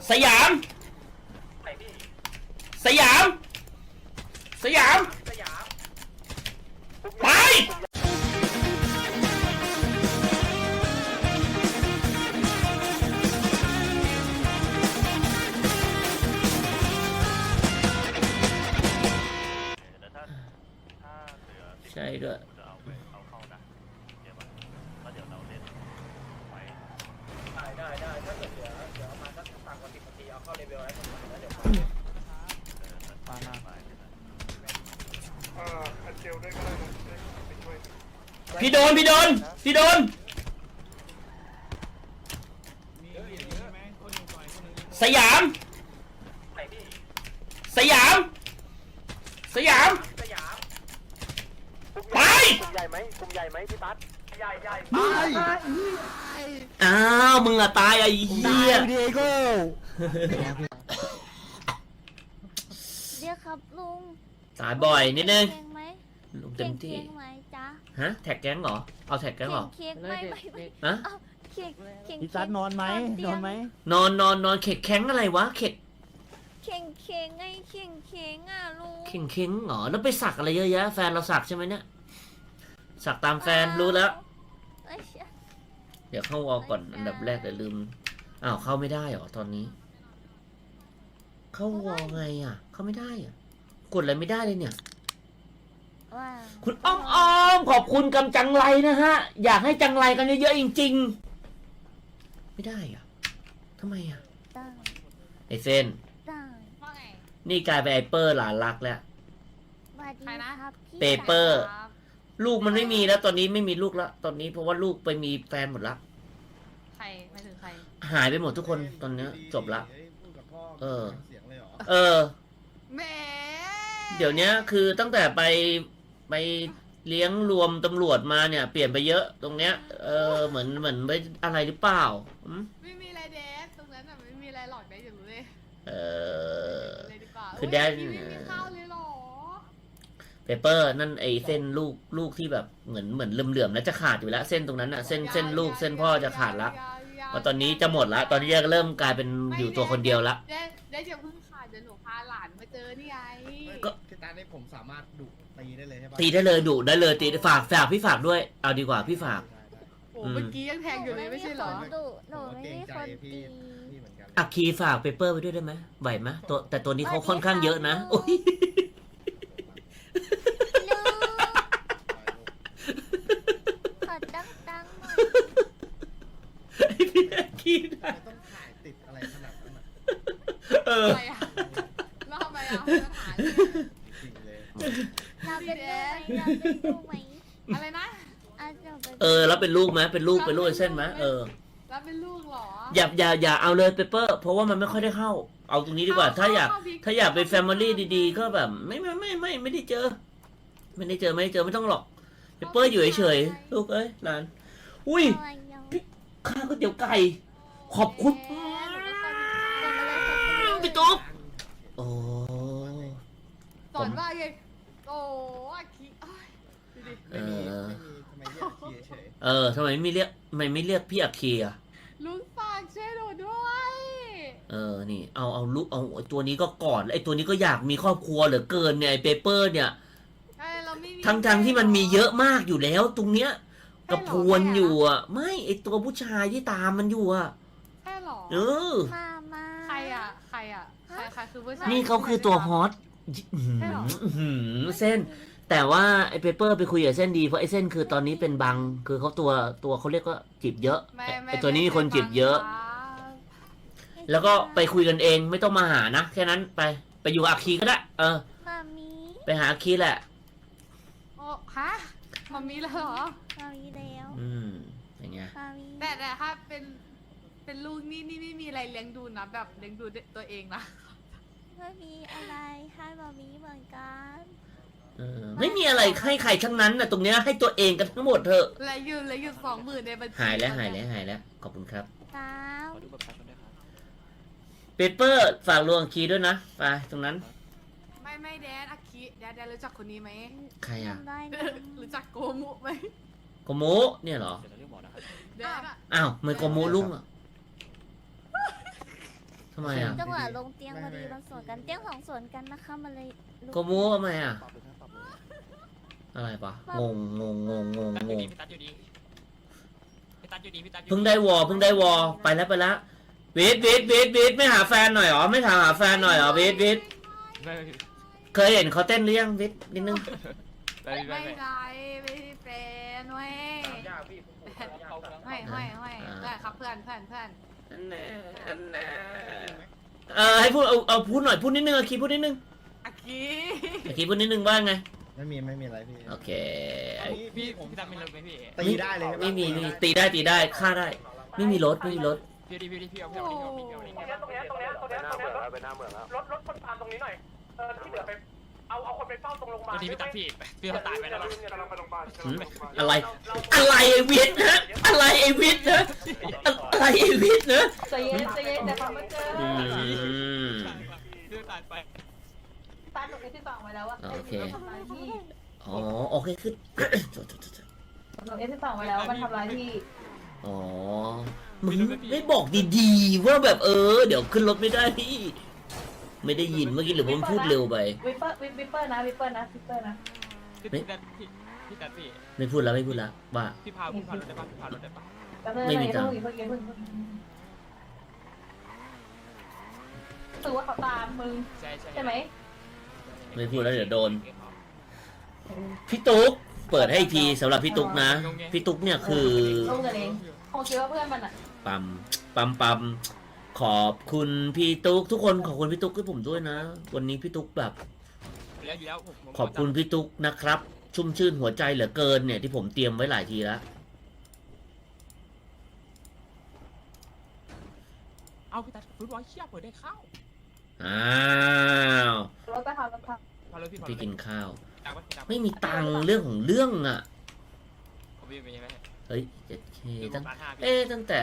สยามสยามสยามไปใช่ด้วยได้ถ้าเกิดเดี๋ยวมาสักต่างกว่า10 นาทีเอาเข้าเลเวลแล้วแล้วเดี๋ยวอันเจลด้วยก็ได้นะไปช่วยพี่โดนสยามไปกลุ่มใหญ่ไหมพี่ปั๊ดใหญ่อ้าวมึงอะตายไอ้เหี้ยเดียโก้เดี๋ยวครับลุงตายบ่อยนิดนึงเค้กไหมลุงเต็มที่ค้กไหมจ๊ะฮะแท็กแก๊งเหรอเอาแท็กแก๊งเหรอเค้กไม่ฮะเค้กพี่ซัดนอนไหมนอนเข็กแข้งอะไรวะเข็กเค้กไงเค้กอ่ะลุงเข็งเหรอแล้วไปสักอะไรเยอะแยะแฟนเราสักใช่ไหมเนี่ยสักตามแฟนรู้แล้วเดี๋ยวเข้าวอลก่อนอันดับแรกเดี๋ยวลืมอ้าวเข้าไม่ได้เหรอตอนนี้ เข้าวอลไงอ่ะเข้าไม่ได้อ่ะกดอะไรไม่ได้เลยเนี่ยคุณอ้อมขอบคุณกำจังไรนะฮะอยากให้จังไรกันเยอะๆจริงๆไม่ได้อ่ะทำไมอ่ะไอเส้นนี่กลายเป็นไอเปอร์หลานรักแล้วเปเปอร์ลูกมันไม่มีแล้วตอนนี้ไม่มีลูกแล้วตอนนี้เพราะว่าลูกไปมีแฟนหมดละใครไม่ถึงใครหายไปหมดทุกคนตอนนี้จบละเออแหมเดี๋ยวนี้คือตั้งแต่ไปเลี้ยงรวมตำรวจมาเนี่ยเปลี่ยนไปเยอะตรงเนี้ยเหมือนไปอะไรหรือเปล่าไม่มีอะไรเดสตรงนั้นไม่มีอะไรหลอกได้อย่างรู้เลยคือแดนไม่มีข้าวเลยหรอเปเปอร์นั่นไอเส้นลูกที่แบบเหมือนเหลื่อมๆแล้วจะขาดอยู่แล้วเส้นตรงนั้นอะเส้นลูกเส้นพ่อจะขาดละว่าตอนนี้จะหมดละตอนนี้จะเริ่มกลายเป็นอยู่ตัวคนเดียวละได้จะพึ่งขาดเดี๋ยวหนูพาหลานมาเจอนี่ไงก็ที่ตาเนี่ยผมสามารถดุตีได้เลยใช่ปะตีได้เลยดุได้เลยตีฝากพี่ฝากด้วยเอาดีกว่าพี่ฝากโอ้เมื่อกี้ยังแทงอยู่เลยไม่ใช่หรอหนูไม่ได้คนตีอักคีฝากเปเปอร์ไปด้วยได้ไหมไหวไหมแต่ตัวนี้เขาค่อนข้างเยอะนะโอ้ยพี่อักคีได้ต้องถ่ายติดอะไรขนาดนั้นอะไรอ่ะแล้วทำไมอ่ะเราเป็นลูกไหมอะไรนะแล้วเป็นลูกไหมเป็นลูกเส้นไหมแล้วเป็นลูกหรออย่าเอาเลยเปเปอร์เพราะว่ามันไม่ค่อยได้เข้าเอาตรงนี้ดีกว่าถ้าอยากเป็นแฟมิลี่ดีๆก็แบบไม่ได้เจอไม่ต้องหรอกเปเปอร์อยู่เฉยๆลูกเอ้ยหลานอุ้ยข้าวก๋วยเตี๋ยวไก่ขอบคุณพี่ตุ๊กโอ้สอนว่าไงโอ้ขี้ทำไมไม่เรียกพี่อักคีอ่ะลุงฝากช่วยหนูด้วยนี่เอาลูกเอาตัวนี้ก็กอดไอตัวนี้ก็อยากมีครอบครัวเหลือเกินเนี่ยไอเปเปอร์เนี่ยทั้งที่มันมีเยอะมากอยู่แล้วตรงเนี้ยกระพวนอยู่อ่ะไม่ไอตัวผู้ชายที่ตามมันอยู่อ่ะใช่หรอใครคือผู้ชายนี่เขาคือตัวฮอตเส้นแต่ว่าไอเปเปอร์ไปคุยกับเส้นดีเพราะไอเส้นคือตอนนี้เป็นบังคือเขาตัวเขาเรียกว่าจีบเยอะไอตัวนี้มีคนจีบเยอะแล้วก็ไปคุยกันเองไม่ต้องมาหานะแค่นั้นไปอยู่อาคีก็ได้ไปหาอาคีแหละโอ้ฮะมามีแล้วเหรอมามีแล้วอย่างเงี้ยแต่ถ้าเป็นลูกนี่ไม่มีอะไรเลี้ยงดูนะแบบเลี้ยงดูตัวเองนะไม่มีอะไรให้มามีเหมือนกันไม่มีอะไรให้ใครทั้งนั้นนะตรงเนี้ยให้ตัวเองกันทั้งหมดเถอะและยืน20,000ในบัญชีหายแล้วขอบคุณครับเปเปอร์ฝากลวงคีด้วยนะไปตรงนั้นไม่แดนอาคิแดนรู้จักคนนี้ไหมใครอ่ะรู้จักโกมุไหมโกมุเนี่ยเหรออ้าวไม่โกมุลุงอ่ะทำไมอ่ะจังหวะลงเตียงพอดีมันสวนกันเตียงสองสวนกันนะคะมันเลยลุโกมูทำไมอ่ะ อะไรปะงงพี่ตัดอยู่ดีพี่ตัดอยู่ดีพี่ตัดอยู่ดีเพิ่งได้วอไปแล้ววิทไม่หาแฟนหน่อยหรอไม่ถามหาแฟนหน่อยหรอวิทไม่เคยเห็นเขาเต้นหรือยังวิทนิดนึงไม่ไม่ไรไม่ได้เป็นเว้ยไม่เพื่อนครับเพื่อนให้พูดเอาพูดหน่อยพูดนิดนึงอาคีพูดนิดนึงอากีอาคีพูดนิดนึงว่าไงไม่มีอะไรพี่โอเคพี่ผมตัดไม่ลดไหมพี่ตีได้เลยใช่ปะไม่มีตีได้ฆ่าได้ ไม่มีรถพี่เอาพี่เอาตรงเนี้ยไปหน้าเมืองแล้วรถคนตามตรงนี้หน่อยที่เหลือไปเอาคนไปเฝ้าตรงโรงพยาบาลพี่ตัดพี่เขาตายไปแล้วกำลังไปโรงพยาบาลอะไรไอวิทย์นะอะไรไอวิทย์นะอะไรไอวิทย์นะใจเย็นแต่ฟังไม่เจอพี่ตายไปตาหนูเอสที่สองไว้แล้วว่าโอเคทำร้ายพี่อ๋อโอเคขึ้นหนูเอสที่สองไว้แล้วมันทำร้ายพี่อ๋อมึงไม่บอกดีๆว่าแบบเดี๋ยวขึ้นรถไม่ได้พี่ไม่ได้ยินเมื่อกี้หรือผมพูดเร็วไปวิปเปอร์นะพี่ตัดพี่ไม่พูดแล้วว่าพี่พารถได้ปะพี่พารถได้ปะไม่มีตังค์เพิ่งถือว่าเขาตามมึงใช่ไหมไม่พูดแล้วเดี๋ยวโดนพี่ตุ๊กเปิดให้อีกทีสำหรับพี่ตุ๊กนะพี่ตุ๊กเนี่ยคือลงกันเองคงคิดว่าเพื่อนมันอ่ะปั๊มขอบคุณพี่ตุ๊กทุกคนขอบคุณพี่ตุ๊กให้ผมด้วยนะ วันนี้พี่ตุ๊กแบบแล้วอยู่แล้วผมขอบคุณพี่ตุ๊กนะครับ ชุ่มชื่นหัวใจเหลือเกินเนี่ยที่ผมเตรียมไว้หลายทีแล้วเอาพี่ตัดฟุตบอลเชี่ยเปิดได้เข้าอ้าวรถไปทำพารถพี่พี่กินข้าวดังปะไม่มีตังค์เรื่องของเรื่องอ่ะผมมีไหมเฮ้ย 7K ตั้ง 5พี่ตั้งแต่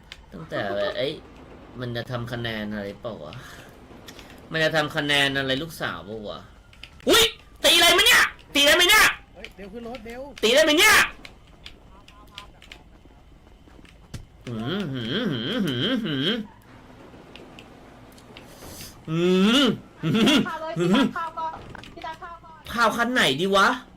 มันจะทำคะแนนอะไรเปล่าวะมันจะทำคะแนนอะไรลูกสาวเปล่าวะอุ้ยตีอะไรไหมเนี่ยตีได้ไหมเนี่ยเฮ้ยเดี๋ยวขึ้นรถเดี๋ยวตีได้ไหมเนี่ยหืมข้าวเลยพี่ตัดข้าวก็ข้าวคันไหนดีวะ